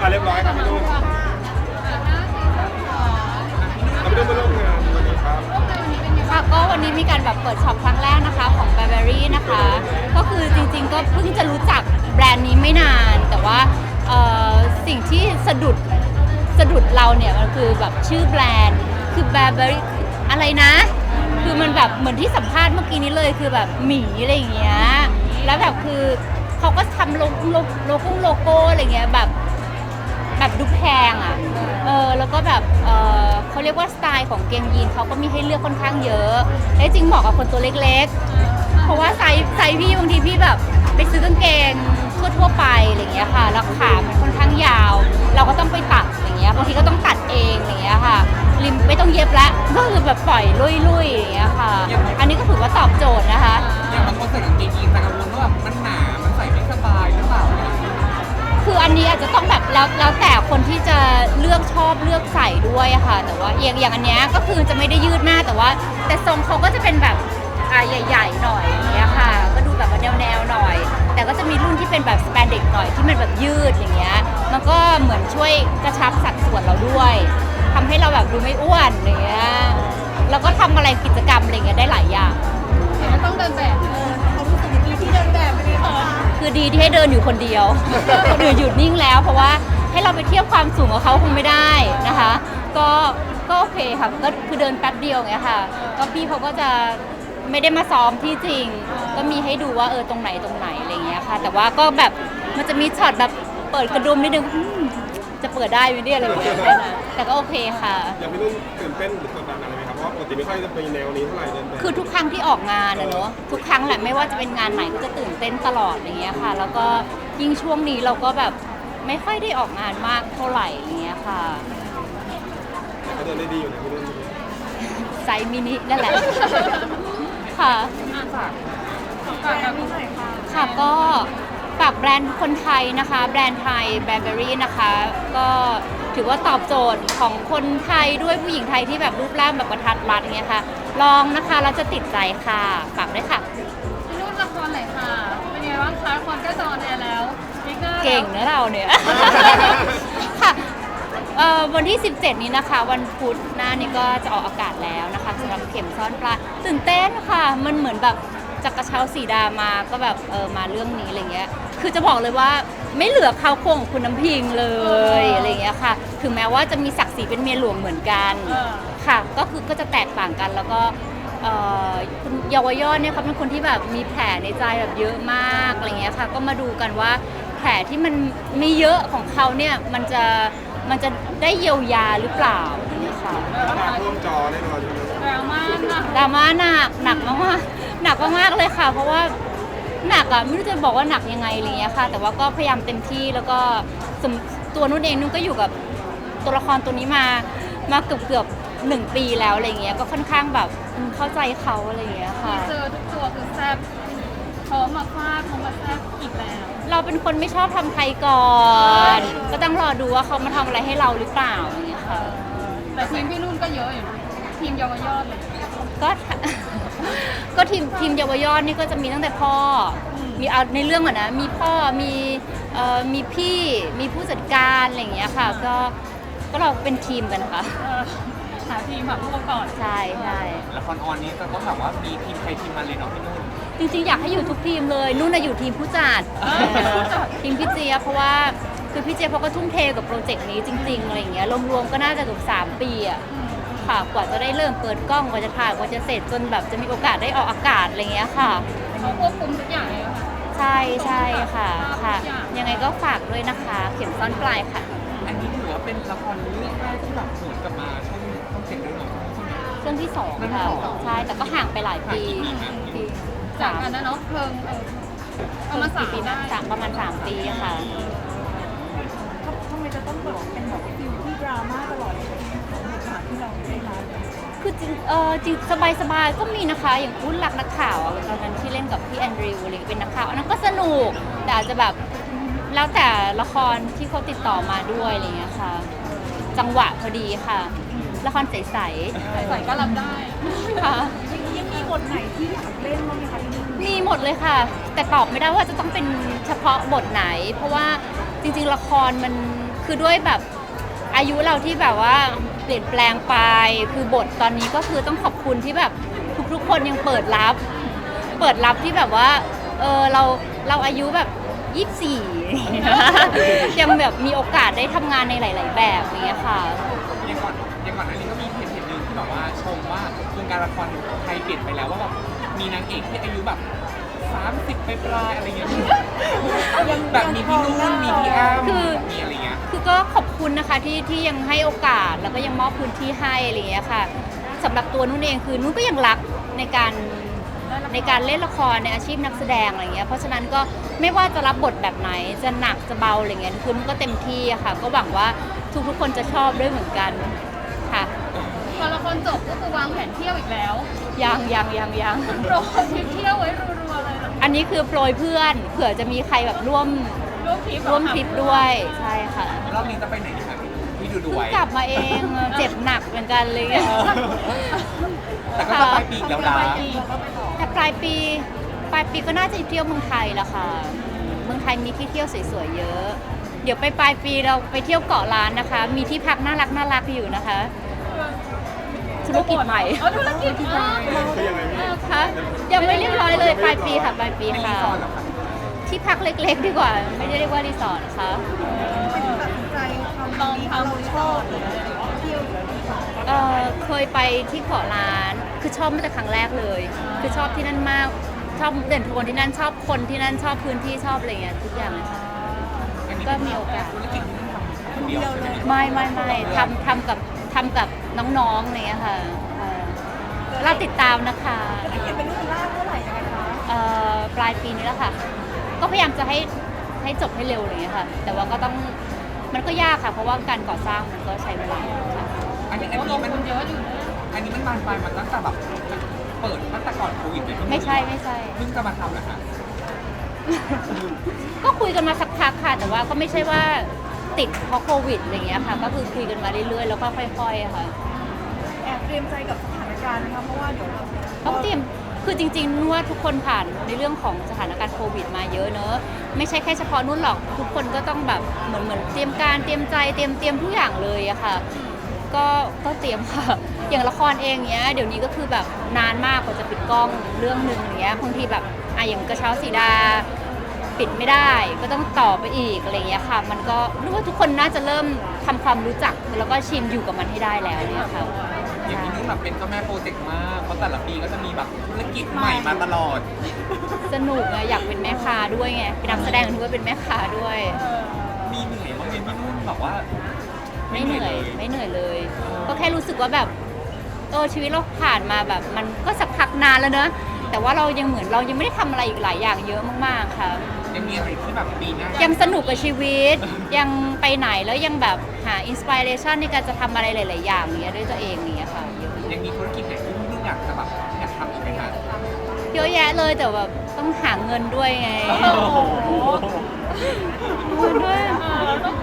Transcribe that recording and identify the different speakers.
Speaker 1: เรียบร้อยครับพี่นุ่นเราไม่ได้มาร่วมงานวันนี้ครับ
Speaker 2: ค่ะก็วันนี้มีการแบบเปิดช็อปครั้งแรกนะคะของ Burberry นะคะก็คือจริงๆก็เพิ่งจะรู้จักแบรนด์นี้ไม่นานแต่ว่าสิ่งที่สะดุดเราเนี่ยมันคือแบบชื่อแบรนด์คือ Burberry อะไรนะคือมันแบบเหมือนที่สัมภาษณ์เมื่อกี้นี้เลยคือแบบหมีอะไรอย่างเงี้ยแล้วแบบคือเขาก็ทำโลโก้อะไรเงี้ยแบบดูแพงอ่ะแล้วก็แบบเขาเรียกว่าสไตล์ของเกงยีนเขาก็มีให้เลือกค่อนข้างเยอะและจริงเหมาะกับคนตัวเล็กๆเพราะว่าไซส์พี่บางทีพี่แบบไปซื้อกางเกงทั่วไปอะไรเงี้ยค่ะแล้วขามันค่อนข้างยาวเราก็ต้องไปตัดอย่างเงี้ยบางทีก็ต้องตัดเองอย่างเงี้ยค่ะริมไม่ต้องเย็บละก็คือแบบปล่อยลุยๆอย่างเงี้ยค่ะอันนี้ก็ถือว่าตอบโจทย์นะคะ
Speaker 3: อย่างบางคนใส่กางเกงยีนแต่กังวลว่าแบบมันหนามันใส่ไม่สบายหรือเปล่า
Speaker 2: คืออันนี้อาจจะต้องแบบแล้วแต่คนที่จะเลือกชอบเลือกใส่ด้วยอะค่ะแต่ว่าอย่างอันเนี้ยก็คือจะไม่ได้ยืดมากแต่ทรงเขาก็จะเป็นแบบใหญ่ๆหน่อยอย่างเงี้ยค่ะก็ดูแบบว่าแนวหน่อยแต่ก็จะมีรุ่นที่เป็นแบบสแปนเด็กหน่อยที่มันแบบยืดอย่างเงี้ยมันก็เหมือนช่วยกระชับสัดส่วนเราด้วยทำให้เราแบบดูไม่อ้วนอย่างเงี้ยแล้วก็ทำอะไรกิจกรรมอะไรเงี้ยได้หลายอย่าง
Speaker 4: ไม่ต้องเดินแบบเขารู้สึกดีที่เดินแบบไม่ได้ค่ะ
Speaker 2: คือดีที่ให้เดินอยู่คนเดียวคนอื่นหยุดนิ่งแล้วเพราะว่าให้เราไปเทียบความสูงกับเขาคงไม่ได้นะคะก็โอเคค่ะก็คือเดินแป๊บเดียวไงค่ะก็พี่เขาก็จะไม่ได้มาซ้อมที่จริงก็มีให้ดูว่าตรงไหนอะไรเงี้ยค่ะแต่ว่าก็แบบมันจะมีช็อตแบบเปิดกระดุมนิดนึงจะเปิดได้ไหมเนี่ยอะไรแบบนี้แต่ก็โอเคค่ะ
Speaker 1: อย่างพี่นุ่นตื่นเต้นหรือกดดันอะไรไหมครับเพราะว่าปกติไม่ค่อยจะเป็นแนวนี้เท่าไหร่เดินแบบ
Speaker 2: คือทุกครั้งที่ออกงานอะเนอะทุกครั้งแหละไม่ว่าจะเป็นงานไหนก็จะตื่นเต้นตลอดอย่างเงี้ยค่ะแล้วก็ยิ่งช่วงนี้เราก็แบบไม่ค่อยได้ออกงานมากเท่าไหร่อย่างเงี้ยค่ะ
Speaker 1: ก็เดินได้ดีอยู่นะพี่นุ่น
Speaker 2: ไซส์มินินั่นแหละค่ะ
Speaker 4: ฝากกับพี่หน่อยค่ะ
Speaker 2: ค่ะก็ฝากแบรนด์คนไทยนะคะแบรนด์ไทย Burberry นะคะก็ถือว่าตอบโจทย์ของคนไทยด้วยผู้หญิงไทยที่แบบรูปร่างแบบกระทัดรัดอย่างเงี้ยค่ะลองนะคะแล้วจะติดใจค่ะฝากด้วยค่ะ
Speaker 4: พี่นุ่นละครไหนค่ะเป็นไงบ้างคะละครใกล้จะออนแอร์แล้ว
Speaker 2: เก่งนะเราเนี่ยค่ะวันที่ 17 นี้นะคะวันพุธหน้านี้ก็จะออกอากาศแล้วนะคะสำหรับเข็มซ่อนปลาตื่นเต้นค่ะมันเหมือนแบบจากกระเช้าสีดามาก็แบบมาเรื่องนี้อะไรเงี้ยคือจะบอกเลยว่าไม่เหลือเขาโครงของคุณน้ำพิงเลยอะไรเงี้ยค่ะถึงแม้ว่าจะมีศักดิ์ศรีเป็นเมียหลวงเหมือนกันค่ะก็จะแตกต่างกันแล้วก็คุณเยาวยอดเนี่ยเขาเป็นคนที่แบบมีแผลในใจแบบเยอะมากอะไรเงี้ยค่ะก็มาดูกันว่าแผลที่มันมีเยอะของเขาเนี่ยมันจะได้เยียวยาหรือเปล่าเนี่ยค่ะ
Speaker 1: มาร่วมจอแน่นอน
Speaker 4: ดราม่า
Speaker 2: หนักมากเลยค่ะเพราะว่าหนักอ่ะไม่รู้จะบอกว่าหนักยังไงอะไรเงี้ยค่ะแต่ว่าก็พยายามเต็มที่แล้วก็ตัวนุ่นเองนุ่นก็อยู่กับตัวละครตัวนี้มาเกือบ1 ปีแล้วอะไรเงี้ยก็ค่อนข้างแบบเข้าใจเขาอะไรเงี้ยค่ะ
Speaker 4: เจอทุกตัวคือแซ่บเขามาฟาดเขามาแซ่บอีกแล้ว
Speaker 2: เราเป็นคนไม่ชอบทำใครก่อน ก็ต้องรอดูว่าเขามาทำอะไรให้เราหรือเปล่าอย่างเงี้ยค่ะ
Speaker 4: แต่ทีมพี่นุ่นก็เยอะอยู่นะทีมเยาวยอดเลย
Speaker 2: ก็ทีมเยาวยอดนี่ก็จะมีตั้งแต่พ่อมีเอาในเรื่องก่อนนะมีพ่อมีพี่มีผู้จัดการอะไรอย่างเงี้ยค่ะก็เราเป็นทีมกันค่ะ
Speaker 4: หาทีมแบบพวกก่อน
Speaker 2: ใช่
Speaker 3: ละครออนนี้จะต้องแบบว่ามีทีมใครทีมมันเลยเนาะพี่นุ่น
Speaker 2: จริงๆอยากให้อยู่ทุกทีมเลยนุ่นน่ะอยู่ทีมผู้จัดทีมพี่เจี๊ยบเพราะว่าคือพี่เจี๊ยบเขาก็ทุ่มเทกับโปรเจกต์นี้จริงๆอะไรอย่างเงี้ยรวมๆก็น่าจะเกือบ3 ปีอ่ะค่ะกว่าจะได้เริ่มเปิดกล้องกว่าจะถ่ายกว่าจะเสร็จจนแบบจะมีโอกาสได้ออกอากาศอะไรเงี้ยค่ะ
Speaker 4: เขาควบคุมทุกอย่างเลยค่ะ
Speaker 2: ใช่ค่ะยังไงก็ฝากด้วยนะคะเข็มซ่อนปลายค่ะ
Speaker 3: อันนี้ถือว่าเป็นละครเรื่องแรกที่แบบสวนกลับมาช่องเจ็ดด้วยเนาะ
Speaker 2: เรื่องที่2ค่ะใช่แต่ก็ห่างไปหลายปี
Speaker 4: จากกันนะเนาะเพลิงประมาณ3 ปีได้
Speaker 2: ประมาณ3 ปีค่ะ
Speaker 4: ทำไมจะต้องแบบเป็นแบบฟิลที่ดราม่าตลอดเลยที่เราได้รับ
Speaker 2: คือจริงสบายก็มีนะคะอย่างอุ้นรักนักข่าวตอนนั้นที่เล่นกับพี่แอนดริวอะไรเป็นนักข่าวอันนั้นก็สนุกแต่อาจจะแบบแล้วแต่ละครที่เขาติดต่อมาด้วยอะไรเงี้ยค่ะจังหวะพอดีค่ะละครใส
Speaker 4: ก็รับได้
Speaker 2: ค่ะ
Speaker 4: ยังมีบทไหนที่อยากเล่นบ้างไหมคะ
Speaker 2: มีหมดเลยค่ะแต่ตอบไม่ได้ว่าจะต้องเป็นเฉพาะบทไหนเพราะว่าจริงๆละครมันคือด้วยแบบอายุเราที่แบบว่าเปลี่ยนแปลงไปคือบทตอนนี้ก็คือต้องขอบคุณที่แบบทุกๆคนยังเปิดรับที่แบบว่าเราอายุแบบ24 ยังแบบมีโอกาสได้ทำงานในหลาย ๆ แบบอย่างเงี้ยค่ะ
Speaker 3: ยังก่อนหน้านี้ก็มีเพจหนึ่งที่แบบว่าชมว่าวงการละครไทยเปลี่ยนไปแล้วว่าแบบมีนางเอกที่อายุแบบ30 ปลายๆอะไรเงี้ยแบบมีพี่นุ่นมีพี่อ้ำ
Speaker 2: คือ
Speaker 3: มีอะไรเงี้ย
Speaker 2: คือก็ขอบคุณนะคะที่ยังให้โอกาสแล้วก็ยังมอบพื้นที่ให้อะไรอย่างเงี้ยค่ะสำหรับตัวนุ่นเองคือนุ่นก็ยังรักในการเล่นละครในอาชีพนักแสดงอะไรเงี้ยเพราะฉะนั้นก็ไม่ว่าจะรับบทแบบไหนจะหนักจะเบาอะไรเงี้ยคือนุ่นก็เต็มที่อะค่ะก็หวังว่าทุกคนจะชอบด้วยเหมือนกันค่ะ
Speaker 5: พอละครจบก็คือวางแผนเที่ยวอีกแล้ว
Speaker 2: ยัง
Speaker 5: โปรทริปเที่ยวไว้รัวๆเลยนะ
Speaker 2: อันนี้คือโปรยเพื่อนเผื่อจะมีใครแบบร่วม
Speaker 5: ร่วมทริป
Speaker 2: ด้วยใช่ค่ะ
Speaker 3: รอบนี้จะไปไหนดีคะพี่ดู
Speaker 2: เพิ่ง
Speaker 3: ไว้
Speaker 2: กลับมาเองเจ็บหนักเหมือนกันเลย
Speaker 3: แต่ก็จะปลายปีอีกแล้วนะ
Speaker 2: แต่ปลายปีก็น่าจะเที่ยวเมืองไทยแหละค่ะเมืองไทยมีที่เที่ยวสวยๆเยอะ เดี๋ยวไปปลายปีเราไปเที่ยวเกาะล้านนะคะ มีที่พักน่ารักอยู่นะคะธุรกิจใหม่
Speaker 5: ธุรกิจอ๋อ
Speaker 1: คือยังไงพี่
Speaker 2: คะยังไม่เรียบร้อยเลยปลายปีค่ะปลายปี
Speaker 3: ไม่รี
Speaker 2: ค่ะ
Speaker 3: สอร์ทหรอคะ
Speaker 2: ที่พักเล็กๆดีกว่า ไม่ได้เรียกว่ารีสอร์ทค่ะ
Speaker 4: ตัดสินใจทำนี้เราชอบหรือเที่ยวหรืออะไรคะ
Speaker 2: เคยไปที่เกาะล้าน คือชอบมาแต่ครั้งแรกเลย คือชอบที่นั่นมาก ชอบเด่นทุกคนที่นั่นชอบคนที่นั่นชอบพื้นที่ชอบอะไรเงี้ยทุกอย่างเลยค่ะ
Speaker 3: อันนี้
Speaker 2: ก็มีโอกาส
Speaker 3: ธุรกิจที่ทำคนเดียวใช่ไหม
Speaker 2: ไม่ทำกับน้องๆอะไรเงี้ยค่ะเราติดตามนะคะ
Speaker 4: จะได้เห็นเป็นรูปเป็นร่างเมื่อไหร่ยังไงคะ
Speaker 2: ปลายปีนี้แล้วค่ะ ก็พยายามจะให้จบให้เร็วอะไรเงี้ยค่ะ แต่ว่าก็ต้องมันก็ยากค่ะ เพราะว่าการก่อสร้างมันก็ใช้เวลาค่ะ
Speaker 3: อันนี้
Speaker 5: ล
Speaker 3: มัน
Speaker 5: งทุนเยอะอยู่นะ
Speaker 3: อันนี้มันบานปลายมาตั้งแต่แบบเปิดตั้งแต่ก่อนโควิดเลย
Speaker 2: ไม่ใช่
Speaker 3: เพิ่งจะมาทำนะคะ
Speaker 2: ก็คุยกันมาสักพักค่ะ แต่ว่าก็ไม่ใช่ว่าติดเพราะโควิดอะไรเงี้ยค่ะ ก็คือคุยกันมาเรื่อยๆแล้วก็ค่อยๆค่ะ
Speaker 4: แอบเตรียมใจกับสถานการณ์นะคะเพราะว่าเดี๋ยวเรา
Speaker 2: ต้องเตรียม คือจริงๆนุ่นว่าทุกคนผ่านในเรื่องของสถานการณ์โควิดมาเยอะเนอะ ไม่ใช่แค่เฉพาะนุ่นหรอก ทุกคนก็ต้องแบบเหมือนเตรียมการเตรียมใจเตรียมทุกอย่างเลยอะค่ะ ก็เตรียมค่ะ อย่างละครเองเนี้ยเดี๋ยวนี้ก็คือแบบนานมากกว่าจะปิดกล้องเรื่องหนึ่งอย่างเงี้ยบางทีแบบอย่างกระเช้าสีดา ปิดไม่ได้ก็ต้องต่อไปอีกอะไรเงี้ยค่ะ มันก็รู้ว่าทุกคนน่าจะเริ่มทำความรู้จักแล้วก็ชินอยู่กับมันให้ได้แล้วเนี่ยค่ะ
Speaker 3: อย่างนี้นุ่นแบบเป็นเจ้าแม่โปรเจกต์มากเพราะแต่ละปีก็จะมีแบบธุรกิจใหม่มาตลอด
Speaker 2: สนุกอะอยากเป็นแม่ค้าด้วยไงเป็นนักแสดงด้วยเป็นแม่ค้าด้วย
Speaker 3: มีเหนื่อยบ้างไหมพี่นุ่นแบบว่า
Speaker 2: ไม่เหนื่อยเลย ก็แค่รู้สึกว่าแบบชีวิตเราผ่านมาแบบมันก็สักพักนานแล้วเนอะแต่ว่าเรายังไม่ได้ทำอะไรอีกหลายอย่างเยอะมากๆค่ะ
Speaker 3: ยังมีอะไรที่แบบปีหน้า
Speaker 2: ยังสนุกกับชีวิต ยังไปไหนแล้วยังแบบหาอินสปิเรชันในการจะทำอะไรหลาย ๆ อย่างเนี้ยด้วยตัวเองเนี้ยค่ะเยอะ
Speaker 3: ยังมีธุรกิจไหนที่พี่นุ่นอยากจะแบบอยากทำอีกไหมคะ
Speaker 2: เยอะแยะเลยแต่แบบต้องหาเงินด้วยไง
Speaker 5: โอ้โห
Speaker 2: เงินด้วย
Speaker 5: เราต้อง